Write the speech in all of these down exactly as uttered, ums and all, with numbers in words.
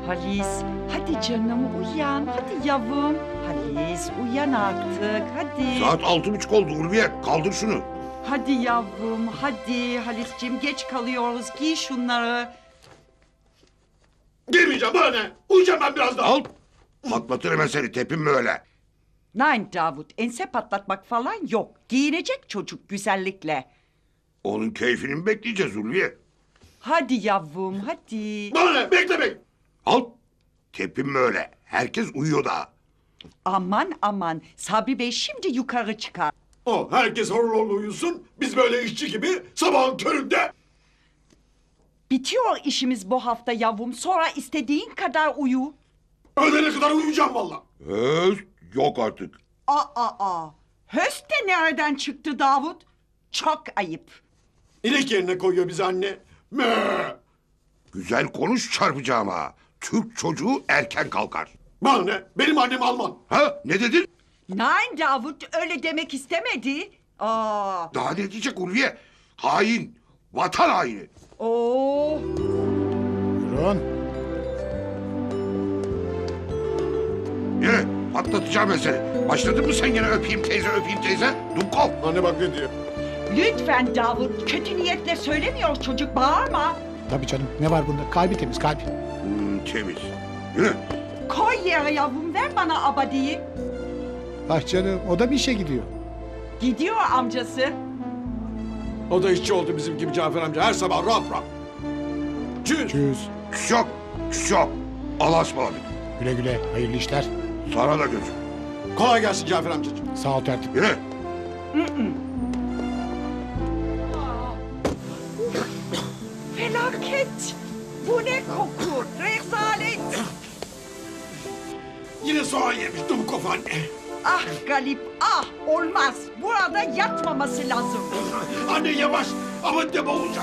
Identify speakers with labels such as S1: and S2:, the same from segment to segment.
S1: Halis, hadi canım uyan, hadi yavrum. Halis, uyan artık, hadi.
S2: Saat altı buçuk oldu Ulviye. Kaldır şunu.
S1: Hadi yavrum, hadi Halis'ciğim geç kalıyoruz, giy şunları.
S3: Girmeyeceğim bana ne? Uyuyacağım ben biraz daha.
S2: Al. Patlatır hemen seni. Tepinme öyle.
S1: Nein Davut, ense patlatmak falan yok. Giyinecek çocuk güzellikle.
S2: Onun keyfini mi bekleyeceğiz Ulviye?
S1: Hadi yavrum, hadi.
S3: Bana ne? Beklemeyin.
S2: Al. Tepinme öyle. Herkes uyuyor daha.
S1: Aman aman, Sabri Bey şimdi yukarı çıkar.
S3: O herkes horul horul uyusun. Biz böyle işçi gibi sabahın köründe.
S1: Bitiyor işimiz bu hafta yavrum, sonra istediğin kadar uyu.
S3: Öğlene kadar uyuyacağım valla.
S2: Öz, yok artık.
S1: Aa, aa, höst de nereden çıktı Davut? Çok ayıp.
S3: İnek yerine koyuyor bizi anne. Mö.
S2: Güzel konuş çarpacağım ha. Türk çocuğu erken kalkar.
S3: Bana ne? Benim annem Alman.
S2: Ha ne dedin?
S1: Nein Davut, öyle demek istemedi. Aa,
S2: Daha ne diyecek Ulviye? Hain. Vatan haini.
S1: oo.
S4: Buyurun.
S2: Yine patlatacağım ben seni. Başladın mı sen yine öpeyim teyze öpeyim teyze? Dumkov.
S3: Anne bak ne diyor.
S1: Lütfen Davut, kötü niyetle söylemiyor çocuk, bağırma.
S4: Tabii canım, ne var bunda? Kalbi temiz, kalbi.
S2: Hmm, temiz. Yine.
S1: Koy yere yavrum, ver bana abadiyi.
S4: Ah canım, o da bir işe gidiyor.
S1: Gidiyor amcası.
S3: O da işçi oldu bizim gibi Cafer amca. Her sabah rap rap. Çüz.
S4: Çüz.
S2: Şok. Şok. Allah'a ısmarladık.
S4: Güle güle, hayırlı işler.
S2: Sana da gözüm.
S3: Kolay gelsin Cafer amcacığım.
S4: Sağ ol tertip.
S2: Yine.
S1: Felaket. Bu ne koku? Rezalet.
S3: Yine soğan yemiş Dumkov anne.
S1: Ah Galip, ah olmaz. Burada yatmaması lazım.
S3: Anne yavaş. Aman deme olacak.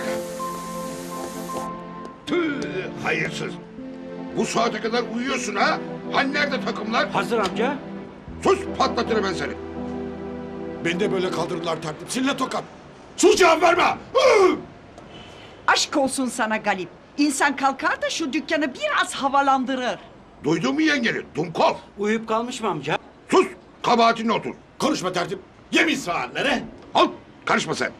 S2: Tüh, hayırsız. Bu saate kadar uyuyorsun ha? Hani nerede takımlar?
S5: Hazır amca.
S2: Sus patlatırım ben seni.
S3: Beni de böyle kaldırırlar tertip. Sinirle tokat. Sus cevap verme. Hı!
S1: Aşk olsun sana Galip. İnsan kalkar da şu dükkanı biraz havalandırır.
S2: Duydun mu yengeni? Dumkov.
S5: Uyuyup kalmış mı amca?
S2: Sus. Kabahatine otur.
S3: Konuşma tertip. Yemin saatleri.
S2: Al. Karışma sen.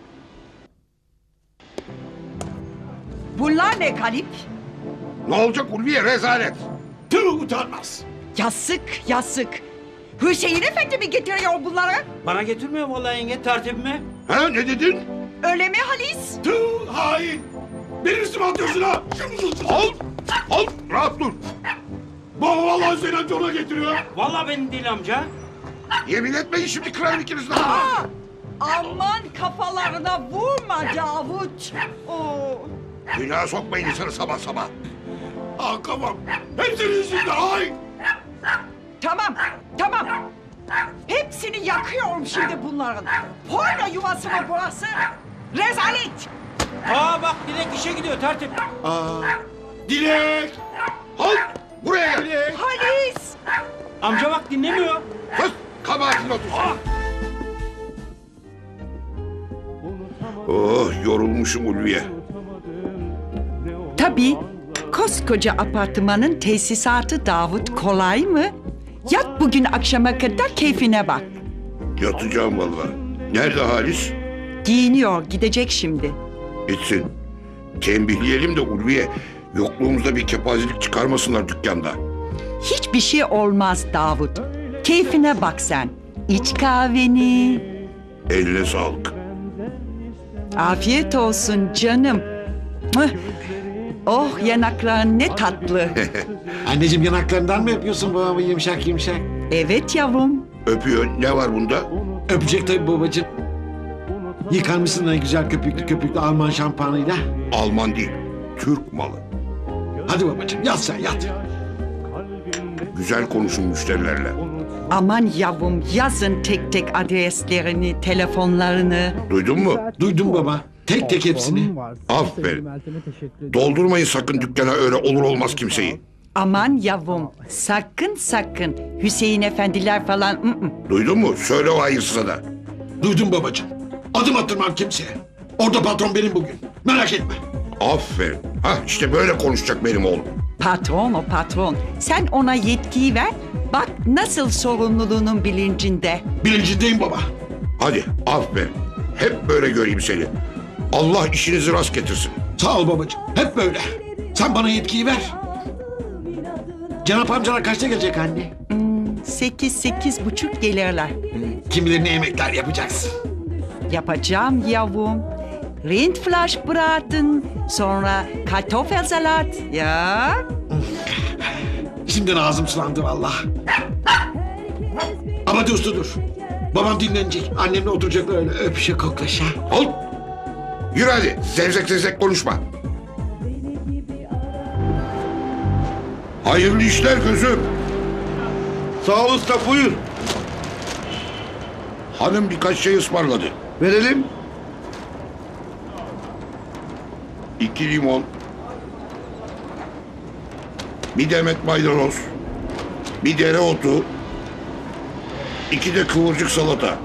S1: Bunlar ne Galip?
S2: Ne olacak Ulviye rezalet.
S3: Tüh utanmaz.
S1: Yazık, yazık. Hüseyin Efendi mi getiriyor bunları?
S5: Bana getirmiyor vallahi yenge tertibimi.
S2: Ha ne dedin?
S1: Öyle mi Halis?
S3: Tüh hain. Benim üstüme atıyorsun ha. Şimdi
S2: Al. Al. Rahat dur.
S3: Baba vallahi Hüseyin amca ona getiriyor.
S5: Vallahi benim değil amca.
S2: Yemin etmeyin şimdi kırarım ikinizden.
S1: Aa, aman kafalarına vurma Davut. Oo.
S2: Günah sokmayın insanı sabah sabah.
S3: Ah kafam. Hepsinin yüzünde hain.
S1: Tamam, tamam. Hepsini yakıyorum şimdi bunların. Porno yuvası mı burası? Rezalet!
S5: Aa bak direkt işe gidiyor tertip.
S3: Aa, Dilek.
S2: Al. Buraya gel.
S3: Dilek.
S1: Halis!
S5: Amca bak dinlemiyor.
S2: Sus. Kabahatine otur. Oh yorulmuşum Ulviye.
S1: Tabii, koskoca apartmanın tesisatı Davut kolay mı? Yat bugün akşama kadar keyfine bak.
S2: Yatacağım vallahi. Nerede Halis?
S1: Giyiniyor, gidecek şimdi.
S2: Gitsin. Tembihleyelim de Ulviye. Yokluğumuzda bir kepazelik çıkarmasınlar dükkanda.
S1: Hiçbir şey olmaz Davut. Keyfine bak sen. İç kahveni.
S2: Eline sağlık.
S1: Afiyet olsun canım. Mıh. Oh yanakların ne tatlı.
S6: Anneciğim yanaklarından mı öpüyorsun babamı yumuşak yumuşak?
S1: Evet yavrum.
S2: Öpüyor. Ne var bunda?
S6: Öpecek tabii babacığım. Yıkanmışsın ne güzel köpüklü köpüklü Alman şampuanıyla.
S2: Alman değil. Türk malı.
S6: Hadi babacığım yat sen yat.
S2: Güzel konuşun müşterilerle.
S1: Aman yavrum yazın tek tek adreslerini, telefonlarını.
S2: Duydun mu?
S6: Duydum baba. Tek tek hepsini.
S2: Aferin. Doldurmayın sakın dükkana öyle olur olmaz kimseyi.
S1: Aman yavrum sakın sakın Hüseyin efendiler falan. ı ı.
S2: Duydun mu? Söyle o hayırsıza da.
S6: Duydum babacığım. Adım attırmam kimseye. Orada patron benim bugün. Merak etme.
S2: Aferin. Hah işte böyle konuşacak benim oğlum.
S1: Patron o patron. Sen ona yetkiyi ver. Bak nasıl sorumluluğunun bilincinde.
S3: Bilincindeyim baba.
S2: Hadi aferin. Hep böyle göreyim seni. Allah işinizi rast getirsin.
S6: Sağ ol babacığım. Hep böyle. Sen bana yetkiyi ver. Cenap amcalar kaçta gelecek anne?
S1: Sekiz, sekiz buçuk gelirler.
S6: Kim bilir ne yemekler yapacaksın.
S1: Yapacağım yavrum. Rindfleischbraten, sonra Kartoffelsalat. Ya.
S6: Şimdiden ağzım sulandı vallahi. Ama dur dur dur. Babam dinlenecek. Annemle oturacaklar öyle öpüşe koklaşa.
S2: Al. Yürü hadi. Zevzek zevzek konuşma. Hayırlı işler gözüm.
S7: Sağ ol usta, buyur.
S2: Hanım birkaç şey ısmarladı.
S7: Verelim.
S2: İki limon. Bir demet maydanoz. Bir dereotu. İki de kıvırcık salata.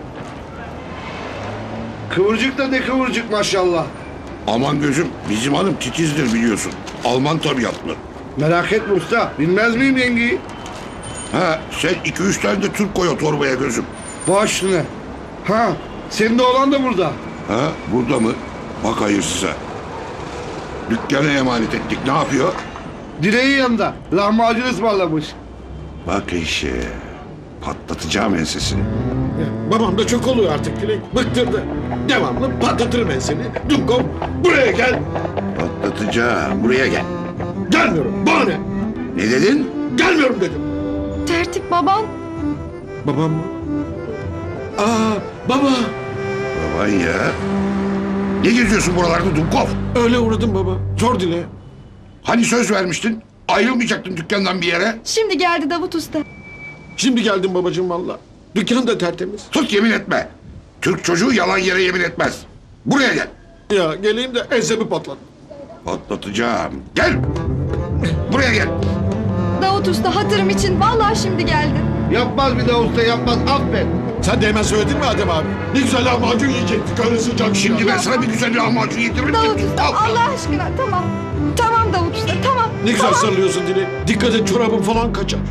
S7: Kıvırcık da ne kıvırcık maşallah.
S2: Aman gözüm, bizim hanım titizdir biliyorsun. Alman tabiatlı.
S7: Merak etme usta, bilmez miyim yengeyi?
S2: Ha, sen iki üç tane de Türk koy o torbaya gözüm.
S7: Baş üstüne. Ha, senin de oğlan da burada.
S2: Ha, burada mı? Bak hayırsıza. Dükkana emanet ettik, ne yapıyor?
S7: Direğin yanında, lahmacun ısmarlamış.
S2: Bak işe. Patlatacağım ensesini.
S6: Babam da çok oluyor artık Dilek. Bıktırdı. Devamlı patlatırım ben seni. Dumkov buraya gel.
S2: Patlatacağım. Buraya gel.
S6: Gelmiyorum. Bana ne?
S2: Ne dedin?
S6: Gelmiyorum dedim.
S8: Tertip baban.
S6: Babam mı? Aa baba.
S2: Baban ya. Ne geziyorsun buralarda Dumkov?
S6: Öyle uğradım baba. Sor Dile.
S2: Hani söz vermiştin? Ayrılmayacaktın dükkandan bir yere.
S8: Şimdi geldi Davut Usta.
S6: Şimdi geldim babacığım valla. Dükkan da tertemiz.
S2: Tut yemin etme. Türk çocuğu yalan yere yemin etmez. Buraya gel.
S6: Ya geleyim de ensemi patlat.
S2: Patlatacağım. Gel. Buraya gel.
S8: Davut Usta hatırım için vallahi şimdi geldi.
S7: Yapmaz bir daha usta, yapmaz, affet.
S6: Sen de hemen söyledin mi Adem abi? Ne güzel lahmacun yiyecektik öyle sıcak.
S2: Şimdi ben sana bir güzel lahmacun yediririm.
S8: Davut Usta
S2: Al.
S8: Allah aşkına tamam. Tamam Davut Usta tamam.
S6: Ne güzel
S8: tamam.
S6: sarılıyorsun Dile. Dikkat et çorabın falan kaçar.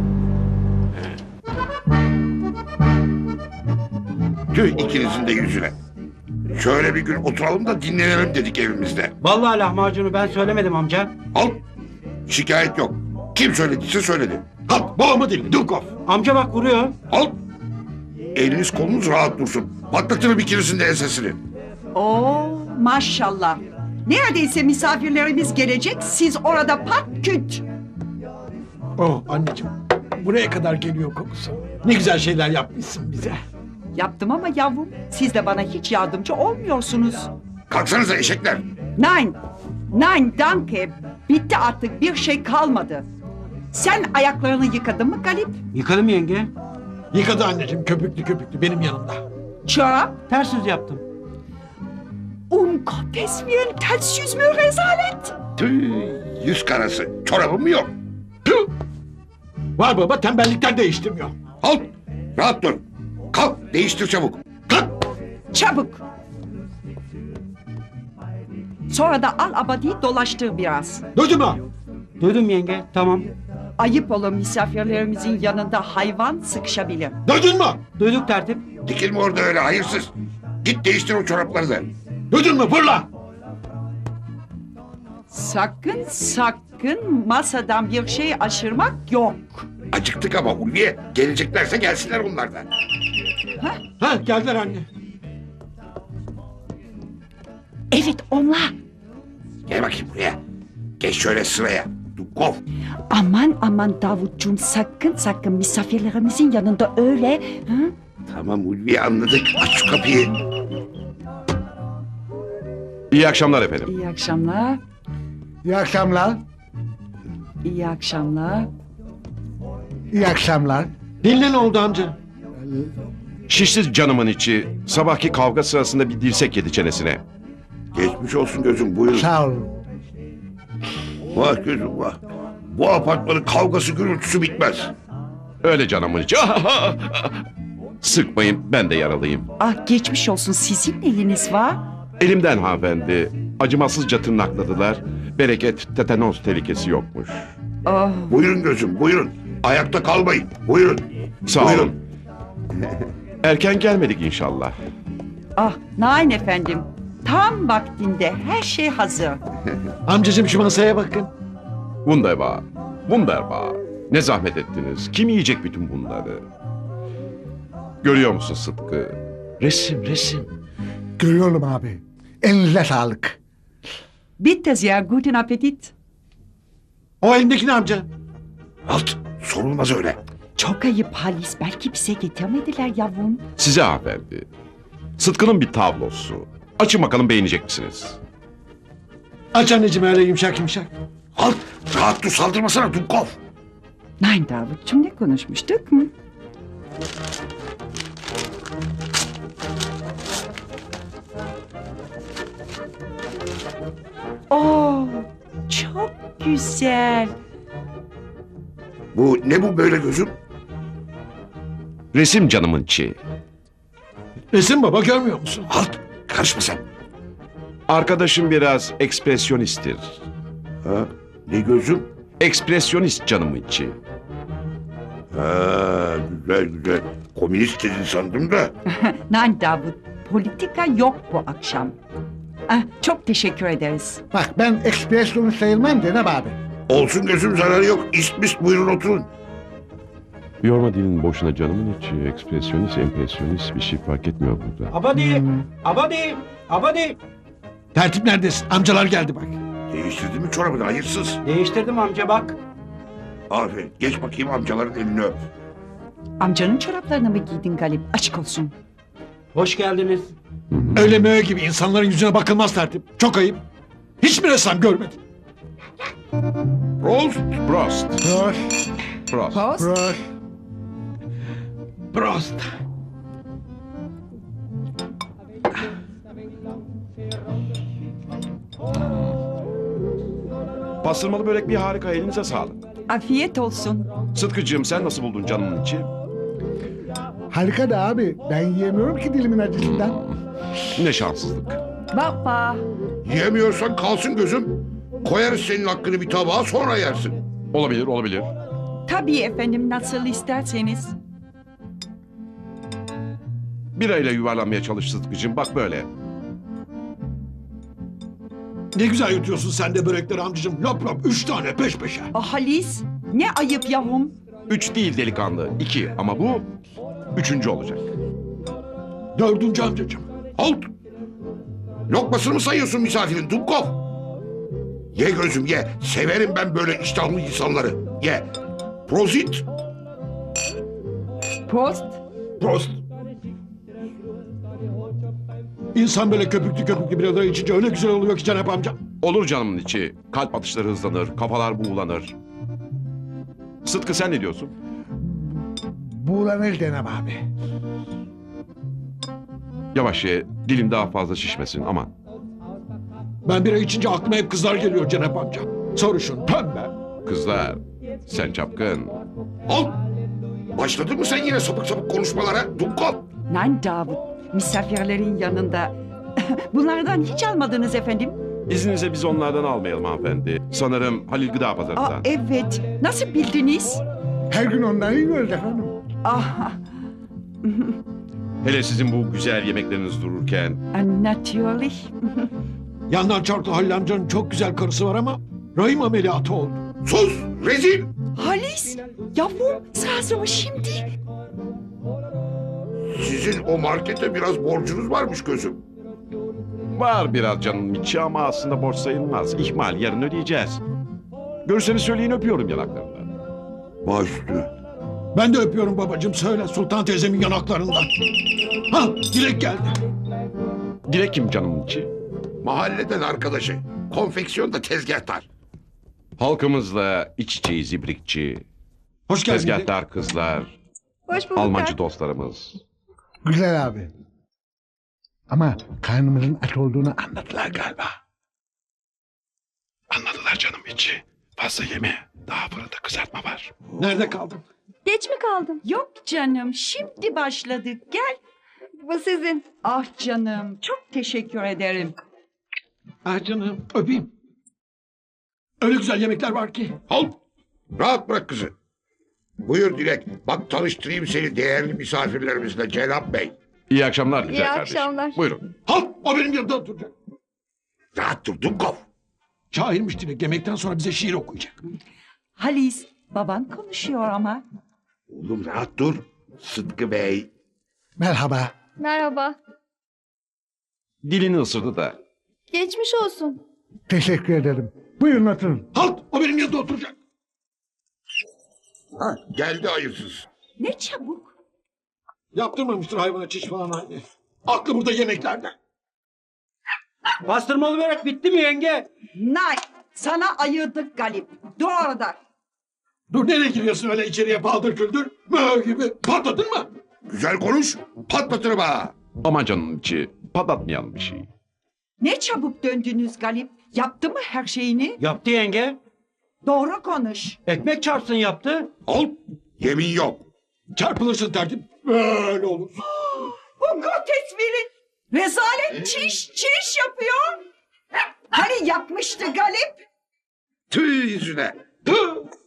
S2: Tüh ikinizin de yüzüne. Şöyle bir gün oturalım da dinlenelim dedik evimizde.
S5: Vallahi lahmacunu ben söylemedim amca.
S2: Al. Şikayet yok. Kim söylediyse söyledi.
S6: Kalk babamı dinle Dumkov.
S5: Amca bak vuruyor.
S2: Al. Eliniz kolunuz rahat dursun. Patlatırım ikinizin de ensesini.
S1: Oo maşallah. Neredeyse misafirlerimiz gelecek. Siz orada pat küt.
S6: Oh anneciğim. Buraya kadar geliyor kokusu. Ne güzel şeyler yapmışsın bize.
S1: Yaptım ama yavrum siz de bana hiç yardımcı olmuyorsunuz.
S2: Kalksanıza eşekler.
S1: Nein, nein danke. Bitti artık bir şey kalmadı. Sen ayaklarını yıkadın mı Galip?
S5: Yıkadım yenge.
S6: Yıkadı anneciğim köpüklü köpüklü benim yanımda.
S1: Çorap?
S5: Ters yüz yaptım.
S1: Um Gottes Willen, ters yüz mü rezalet?
S2: Tüh, yüz karası. Çorabım mı yok?
S6: Tüh! Var baba tembellikten değiştirmiyor.
S2: Al. Rahat dur. Kalk. Değiştir çabuk.
S6: Kalk!
S1: Çabuk. Sonra da al abadiyi dolaştır biraz.
S6: Duydun mu?
S5: Duydum yenge tamam.
S1: Ayıp olur misafirlerimizin yanında hayvan sıkışabilir.
S6: Duydun mu?
S5: Duyduk tertip.
S2: Dikilme orada öyle hayırsız. Git değiştir o çorapları da.
S6: Duydun mu fırla?
S1: Sakın sakın masadan bir şey aşırmak yok.
S2: Acıktık ama Ulviye. Geleceklerse gelsinler onlar da.
S6: Ha geldiler anne.
S1: Evet onlar.
S2: Gel bakayım buraya. Geç şöyle sıraya. Dumkov.
S1: Aman aman Davutcuğum sakın sakın misafirlerimizin yanında öyle. Hı?
S2: Tamam Ulviye anladık. Aç şu kapıyı.
S9: İyi akşamlar efendim.
S1: İyi akşamlar.
S4: İyi akşamlar.
S1: İyi akşamlar.
S4: İyi akşamlar.
S6: Dinle ne oldu amca?
S9: Şişsiz canımın içi sabahki kavga sırasında bir dirsek yedi çenesine.
S2: Geçmiş olsun gözüm buyur.
S4: Sağ olun.
S2: Vah gözüm vah. Bu apartmanın kavgası gürültüsü bitmez.
S9: Öyle canımın içi. Sıkmayın ben de yaralıyım.
S1: Ah geçmiş olsun sizin neyiniz var?
S9: Elimden hanımefendi. Acımasızca tırnakladılar. Bereket tetanoz tehlikesi yokmuş.
S1: Oh,
S2: Buyurun gözüm buyurun. Ayakta kalmayın. Buyurun.
S9: Sağ
S2: Buyurun.
S9: olun. Erken gelmedik inşallah.
S1: ah, nein efendim. Tam vaktinde her şey hazır.
S6: Amcacığım şu masaya bakın.
S9: Wunderbar. Wunderbar. Ne zahmet ettiniz. Kim yiyecek bütün bunları? Görüyor musun Sıtkı? Resim, resim.
S4: Görüyorum abi. Elinize sağlık.
S1: Bitte sehr guten Appetit.
S6: O elindeki ne amca?
S2: Halt. Sorulmaz öyle.
S1: Çok ayıp Halis. Belki bize getirmediler yavrum.
S9: Size hanımefendi. Sıtkı'nın bir tablosu. Açın bakalım beğenecek misiniz?
S6: Aç anneciğim öyle yumuşak yumuşak.
S2: Halt. Rahat dur saldırmasana Dumkov.
S1: Nein Davut'cum ne konuşmuştuk mu? Oh, çok güzel.
S2: Bu ne bu böyle gözüm?
S9: Resim canımın içi.
S6: Resim baba görmüyor musun?
S2: Halt. Karışma sen.
S9: Arkadaşım biraz ekspresyonisttir.
S2: Ha? Ne gözüm?
S9: Ekspresyonist canımın içi.
S2: Ha, güzel güzel. Komünist dedin sandım da.
S1: Nein Davut, politika yok bu akşam. Ah, çok teşekkür ederiz.
S4: Bak ben ekspresyonu sayılmam Cenab abi.
S2: Olsun gözüm zararı yok. İst mist buyurun oturun.
S9: Yorma dilin boşuna canımın içi. Ekspresyonist, empresyonist bir şey fark etmiyor burada.
S5: Abadi. Abadi. Abadi.
S6: Tertip neredesin? Amcalar geldi bak.
S2: Değiştirdin mi çorabını hayırsız?
S5: Değiştirdim amca bak.
S2: Aferin. Geç bakayım amcaların elini öp.
S1: Amcanın çoraplarını mı giydin Galip? Açık olsun.
S5: Hoş geldiniz.
S6: Öyle möğe gibi insanların yüzüne bakılmaz tertip. Çok ayıp. Hiçbir ressam görmedim.
S2: Prost.
S9: Prost.
S4: Prost.
S9: Prost.
S4: Prost.
S6: Prost.
S9: Pastırmalı börek bir harika, elinize sağlık.
S1: Afiyet olsun.
S9: Sıtkıcığım sen nasıl buldun canımın içi?
S4: Harika da abi. Ben yiyemiyorum ki dilimin acısından.
S9: Ne şanssızlık.
S1: Baba.
S2: Yiyemiyorsan kalsın gözüm. Koyarız senin hakkını bir tabağa sonra yersin.
S9: Olabilir, olabilir.
S1: Tabii efendim nasıl isterseniz.
S9: Birayla yuvarlanmaya çalış Sıtkıcığım, bak böyle.
S6: Ne güzel yutuyorsun sen de börekleri amcacığım. Lop lop üç tane peş peşe.
S1: Ah Halis, ne ayıp yavrum.
S9: Üç değil delikanlı, iki. Ama bu üçüncü olacak.
S6: Dördüncü amcacığım.
S2: Halt. Lokmasını mı sayıyorsun misafirin Dumkov? Ye gözüm ye. Severim ben böyle iştahlı insanları. Ye. Prozit.
S1: Prost.
S2: Prost.
S6: İnsan böyle köpüklü köpüklü bir adaya içince öyle güzel oluyor ki Cenap amca.
S9: Olur canımın içi. Kalp atışları hızlanır, kafalar buğulanır. Sıtkı sen ne diyorsun?
S4: Buğulanır Cenab abi.
S9: Yavaş ye, dilim daha fazla şişmesin aman.
S6: Ben bira içince aklıma hep kızlar geliyor Cenap amca. Sarışın, pembe.
S9: Kızlar, sen çapkın.
S2: Halt. Başladın mı sen yine sapık sapık konuşmalara Dumkov?
S1: Nein Davut, misafirlerin yanında. Bunlardan hiç almadınız efendim.
S9: İzninize biz onlardan almayalım hanımefendi. Sanırım Halil Gıda
S1: Aa,
S9: Pazarı'ndan.
S1: evet, nasıl bildiniz?
S4: Her gün onları yiyoruz efendim.
S1: Ah,
S9: Hele sizin bu güzel yemekleriniz dururken.
S1: natürlich.
S6: Yandan çarklı Halil amcanın çok güzel karısı var ama rahim ameliyatı oldu.
S2: Sus. Rezil.
S1: Halis, yavrum, sırası mı şimdi?
S2: Sizin o markete biraz borcunuz varmış gözüm.
S9: Var biraz canım içi ama aslında borç sayılmaz. İhmal, yarın ödeyeceğiz. Görürseniz söyleyin, öpüyorum yanaklarından.
S2: Baş üstüne.
S6: Ben de öpüyorum babacığım söyle Sultan teyzemin yanaklarından. Ha Dilek geldi.
S9: Dilek kim canımın içi?
S2: Mahalleden arkadaşı. Konfeksiyonda tezgahtar.
S9: Halkımızla iç içeyiz ibrikçi.
S6: Hoş geldin. Dilek.
S9: Tezgahtar kızlar,
S8: Hoş bulduk.
S9: Almancı
S8: Tertip.
S9: dostlarımız.
S4: Güzel abi. Ama karnımızın aç olduğunu anladılar galiba.
S9: Anladılar canım içi. Fazla yeme. Daha fırında kızartma var.
S6: Nerede kaldın?
S8: Geç mi kaldım?
S1: Yok canım, şimdi başladık. Gel.
S8: Bu sizin.
S1: Ah canım, çok teşekkür ederim.
S6: Ah canım öpeyim. Öyle güzel yemekler var ki.
S2: Halt. Rahat bırak kızı. Buyur Dilek. Bak tanıştırayım seni değerli misafirlerimizle Cenap Bey.
S9: İyi akşamlar güzel
S8: İyi
S9: kardeşim.
S8: akşamlar.
S9: Buyurun.
S6: Halt! O benim yanımda oturacak.
S2: Rahat dur Dumkov.
S6: Şairmiş Dilek. Yemekten sonra bize şiir okuyacak.
S1: Halis, baban konuşuyor ama.
S2: Oğlum rahat dur. Sıtkı Bey.
S4: Merhaba.
S8: Merhaba.
S9: Dilini ısırdı da.
S8: Geçmiş olsun.
S4: Teşekkür ederim. Buyurun oturun.
S6: Halt! O benim yanımda oturacak.
S2: Ha, geldi hayırsız.
S1: Ne çabuk.
S6: Yaptırmamıştır hayvana çiş falan anne. Aklı burada yemeklerde.
S5: Pastırmalı börek bitti mi yenge?
S1: Nay, sana ayırdık Galip. Doğru da.
S6: Dur nereye giriyorsun öyle içeriye paldır küldür? Mö gibi. Patladın mı?
S2: Güzel konuş. Patlatırım ha.
S9: Aman canım içi. Patlatmayalım bir şey.
S1: Ne çabuk döndünüz Galip. Yaptı mı her şeyini?
S5: Yaptı yenge.
S1: Doğru konuş.
S5: Ekmek çarpsın yaptı.
S2: Al. Yemin yok.
S6: Çarpılırsın tertip. Böyle olur.
S1: Bungo tesvirin. Rezalet çiş, çiş yapıyor. Hani yapmıştı Galip?
S2: Tüh yüzüne.
S6: Tüh!